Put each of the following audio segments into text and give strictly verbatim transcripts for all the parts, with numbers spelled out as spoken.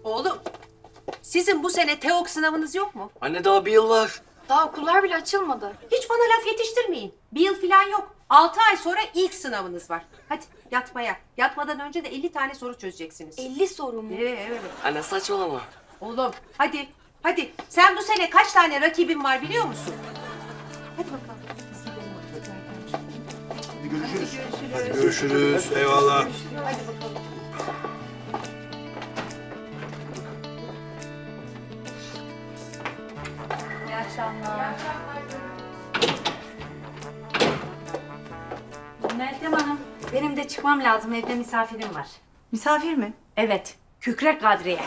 Oğlum, sizin bu sene TEOK sınavınız yok mu? Anne daha bir yıl var. Daha okullar bile açılmadı. Hiç bana laf yetiştirmeyin. Bir yıl falan yok. Altı ay sonra ilk sınavınız var. Hadi yatmaya. Yatmadan önce de elli tane soru çözeceksiniz. elli soru mu? Evet, evet. Anne saçmalama. Oğlum, hadi. Hadi. Sen bu sene kaç tane rakibin var biliyor musun? Hadi bakalım. Görüşürüz. Hadi Görüşürüz. Eyvallah. Hadi bakalım. İyi akşamlar. Meltem Hanım, benim de çıkmam lazım. Evde misafirim var. Misafir mi? Evet, Kükrek Kadriye.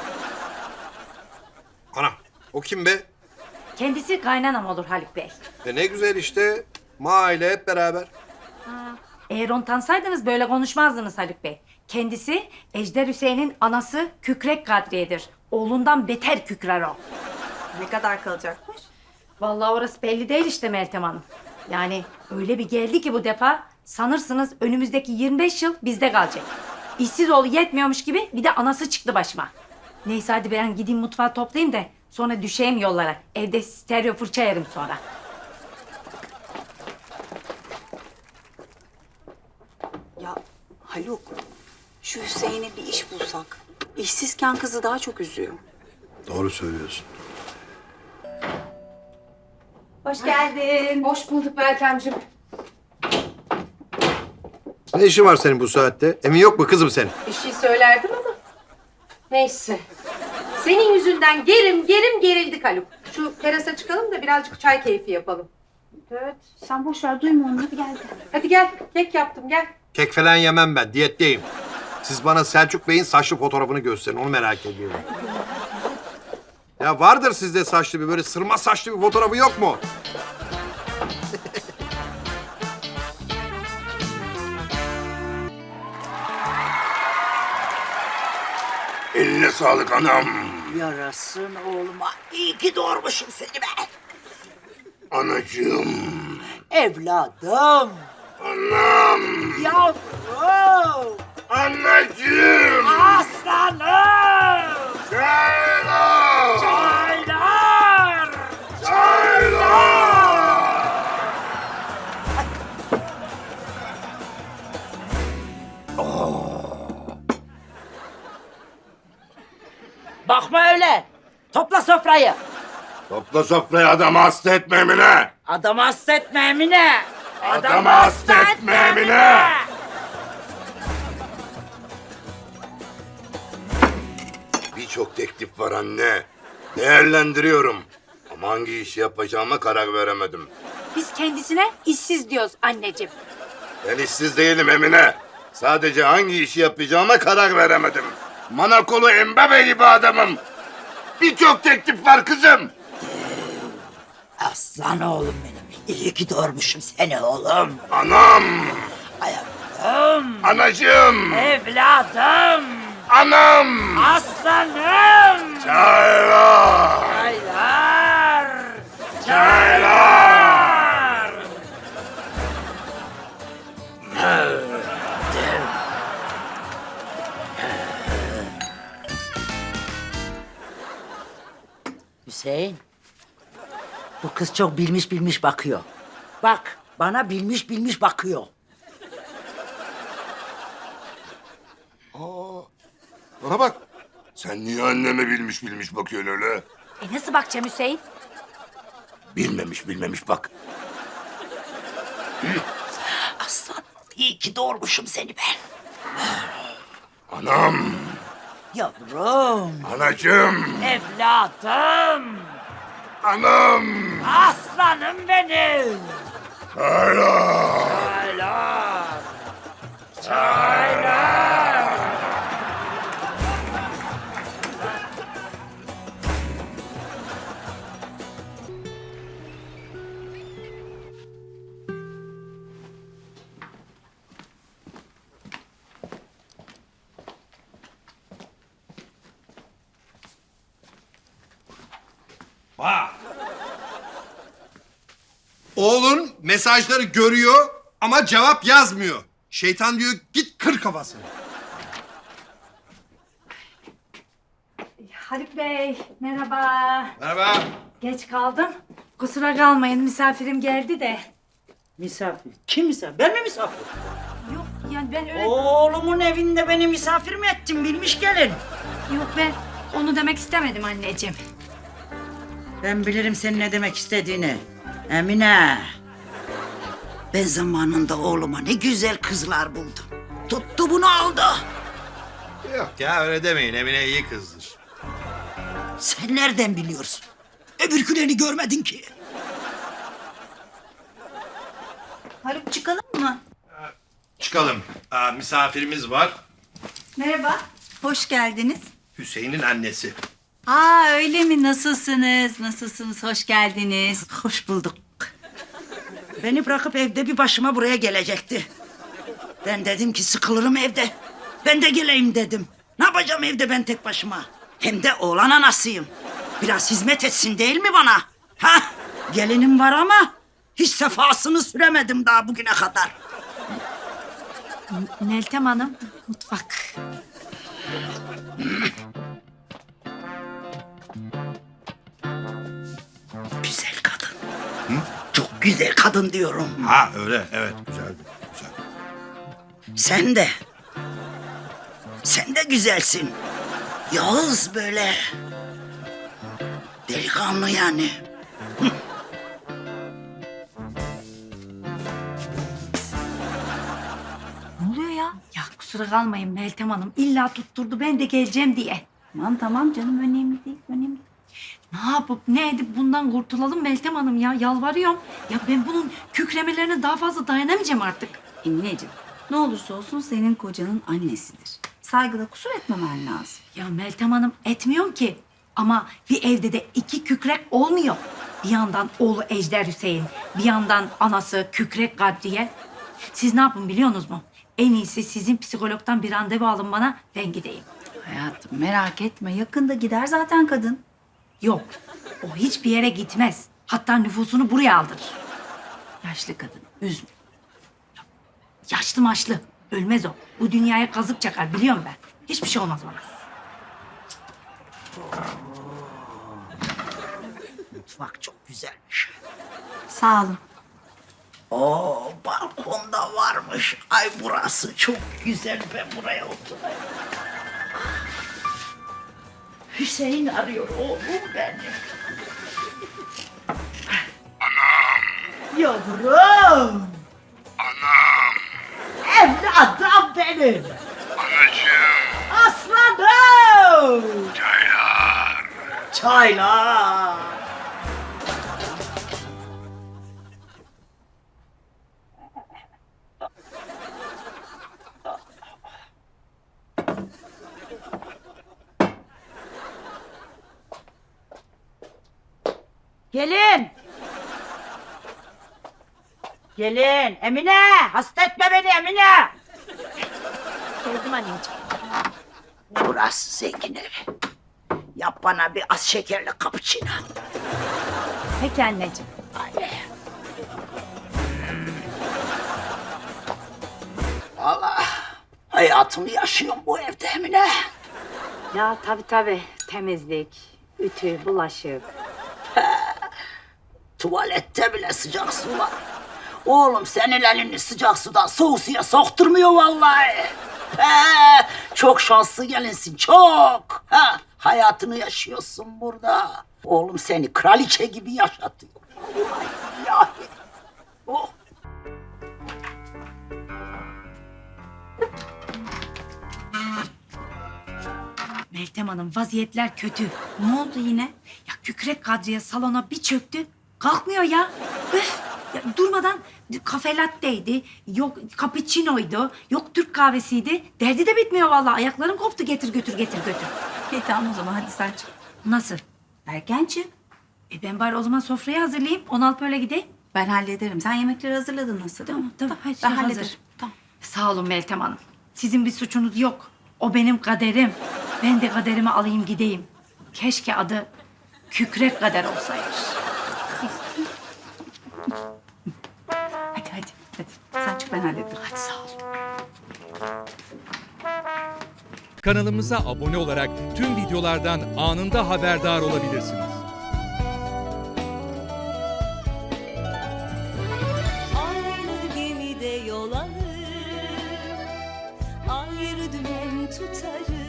Ana, o kim be? Kendisi kaynanam olur Haluk Bey. E ne güzel işte. Mahalle hep beraber. Eğer onu tanısaydınız böyle konuşmazdınız Haluk Bey. Kendisi Ejder Hüseyin'in anası Kükrek Kadriye'dir. Oğlundan beter kükrer o. Ne kadar kalacakmış? Vallahi orası belli değil işte Meltem Hanım. Yani öyle bir geldi ki bu defa sanırsınız önümüzdeki yirmi beş yıl bizde kalacak. İşsiz oğlu yetmiyormuş gibi bir de anası çıktı başıma. Neyse hadi ben gideyim mutfağı toplayayım da sonra düşeyim yollara. Evde stereo fırça yerim sonra. Ya Haluk, şu Hüseyin'e bir iş bulsak. İşsizken kızı daha çok üzüyor. Doğru söylüyorsun. Hoş geldin. Hoş bulduk Meltemciğim. Ne işin var senin bu saatte? Emin yok mu kızım senin? Bir şey söylerdim ama. Neyse. Senin yüzünden gerim gerim gerildik Haluk. Şu terasa çıkalım da birazcık çay keyfi yapalım. Evet, sen boş ver duyma onu hadi gel. Hadi gel. Kek yaptım gel. Kek falan yemem ben. Diyetteyim. Siz bana Selçuk Bey'in saçlı fotoğrafını gösterin. Onu merak ediyorum. Ya vardır sizde saçlı bir böyle sırma saçlı bir fotoğrafı yok mu? Eline sağlık anam. Yarasın oğluma. İyi ki doğurmuşum seni ben. Anacığım. Evladım. Anam. Yavrum. Anneciğim. Aslanım. Çaylar. Çaylar. Çaylar. Bakma öyle. Topla sofrayı. Topla sofrayı adamı hasta etme Emine. Adamı hasta etme Emine. Adamı hasta etme Emine. Birçok teklif var anne. Değerlendiriyorum. Ama hangi işi yapacağıma karar veremedim. Biz kendisine işsiz diyoruz anneciğim. Ben işsiz değilim Emine. Sadece hangi işi yapacağıma karar veremedim. Manakolu Embabe gibi adamım. Birçok teklif var kızım. Aslan oğlum benim. İyi ki doğurmuşum seni oğlum. Anam, Hayatım. anacığım, Evladım. anam. Aslanım. Çaylar, Çaylar. çaylar. Hüseyin. Bu kız çok bilmiş bilmiş bakıyor. Bak bana bilmiş bilmiş bakıyor. Bana bak. Sen niye anneme bilmiş bilmiş bakıyorsun öyle? E nasıl bakacağım Hüseyin? Bilmemiş bilmemiş bak. Aslan iyi ki doğurmuşum seni ben. Anam, Yavrum. anacığım, Evladım. anam. Aslanım benim. Çaylar. Çaylar. Çaylar. Oğlun mesajları görüyor ama cevap yazmıyor. Şeytan diyor git kır kafasını. Haluk Bey, merhaba. Merhaba. Geç kaldım. Kusura kalmayın, misafirim geldi de. Misafir. Kim misafir? Ben mi misafir? Yok, yani ben öyle... Oğlumun evinde beni misafir mi ettin bilmiş gelin? Yok, ben onu demek istemedim anneciğim. Ben bilirim senin ne demek istediğini. Emine. Ben zamanında oğluma ne güzel kızlar buldum. Tuttu bunu aldı. Yok ya öyle demeyin. Emine iyi kızdır. Sen nereden biliyorsun? Öbürkülerini görmedin ki. Haluk çıkalım mı? Çıkalım. Aa, misafirimiz var. Merhaba. Hoş geldiniz. Hüseyin'in annesi. Aa öyle mi? Nasılsınız? Nasılsınız? Hoş geldiniz. Hoş bulduk. Beni bırakıp evde bir başıma buraya gelecekti. Ben dedim ki sıkılırım evde. Ben de geleyim dedim. Ne yapacağım evde ben tek başıma? Hem de oğlan anasıyım. Biraz hizmet etsin değil mi bana? Ha? Gelinim var ama hiç sefasını süremedim daha bugüne kadar. Meltem Hanım, mutfak. Güzel kadın. Çok güzel kadın diyorum. Ha öyle evet güzeldi. Güzel. Sen de. Sen de güzelsin. Yağız böyle. Delikanlı yani. Ne oluyor ya? Ya kusura kalmayın Meltem Hanım. İlla tutturdu ben de geleceğim diye. Tamam tamam canım önemli değil. Önemli değil. Ne yapıp ne edip bundan kurtulalım Meltem Hanım ya. Yalvarıyorum. Ya ben bunun kükremelerine daha fazla dayanamayacağım artık. Emineciğim ne olursa olsun senin kocanın annesidir. Saygıda kusur etmemen lazım. Ya Meltem Hanım etmiyorum ki. Ama bir evde de iki kükrek olmuyor. Bir yandan oğlu Ejder Hüseyin, bir yandan anası Kükrek Kadriye. Siz ne yapın biliyorsunuz mu? En iyisi sizin psikologdan bir randevu alın bana, ben gideyim. Hayatım merak etme yakında gider zaten kadın. Yok, o hiçbir yere gitmez. Hatta nüfusunu buraya aldırır. Yaşlı kadın üzme. Yaşlı maşlı, ölmez o. Bu dünyaya kazık çakar biliyorum ben. Hiçbir şey olmaz ona. Mutfak çok güzelmiş. Sağ olun. Oo, balkonda varmış. Ay burası çok güzel. Ben buraya oturayım. Hüseyin arıyor oğlum beni. Anam. Yavrum. Anam, Evladım benim. anacığım, Aslanım. çaylar. Çaylar. Gelin. Gelin. Emine. Hasta etme beni Emine. Geldim anneciğim. Burası zengin evi. Yap bana bir az şekerli cappuccino. Peki anneciğim. Ay. Vallahi hayatımı yaşıyorum bu evde Emine. Ya tabii tabii. Temizlik, ütü, bulaşık. Tuvalette bile sıcak su var. Oğlum senin elini sıcak sudan soğuk suya sokturmuyor vallahi. He, çok şanslı gelinsin çok. Ha, hayatını yaşıyorsun burada. Oğlum seni kraliçe gibi yaşatıyor. Vallahi billahi. Oh. Meltem Hanım vaziyetler kötü. Ne oldu yine? Ya Kükrek Kadriye salona bir çöktü. Kalkmıyor ya. Üf! Ya durmadan kafe latte'ydi, yok cappuccino'ydu, yok Türk kahvesiydi. Derdi de bitmiyor vallahi. Ayaklarım koptu getir götür getir götür. İyi tamam o zaman hadi sen çık. Nasıl? Erken çık. E ben bari o zaman sofrayı hazırlayayım. On alıp öyle gideyim. Ben hallederim. Sen yemekleri hazırladın nasıl değil mi? Tamam, her şey ben hazır. hallederim. Tamam. Sağ olun Meltem Hanım. Sizin bir suçunuz yok. O benim kaderim. Ben de kaderimi alayım gideyim. Keşke adı Kükrek Kader olsaymış. Hadi hadi hadi. Sen çık ben hallederim. Hadi sağ ol. Kanalımıza abone olarak tüm videolardan anında haberdar olabilirsiniz. Aynı gemide yol alır, ayrı dümen tutarız.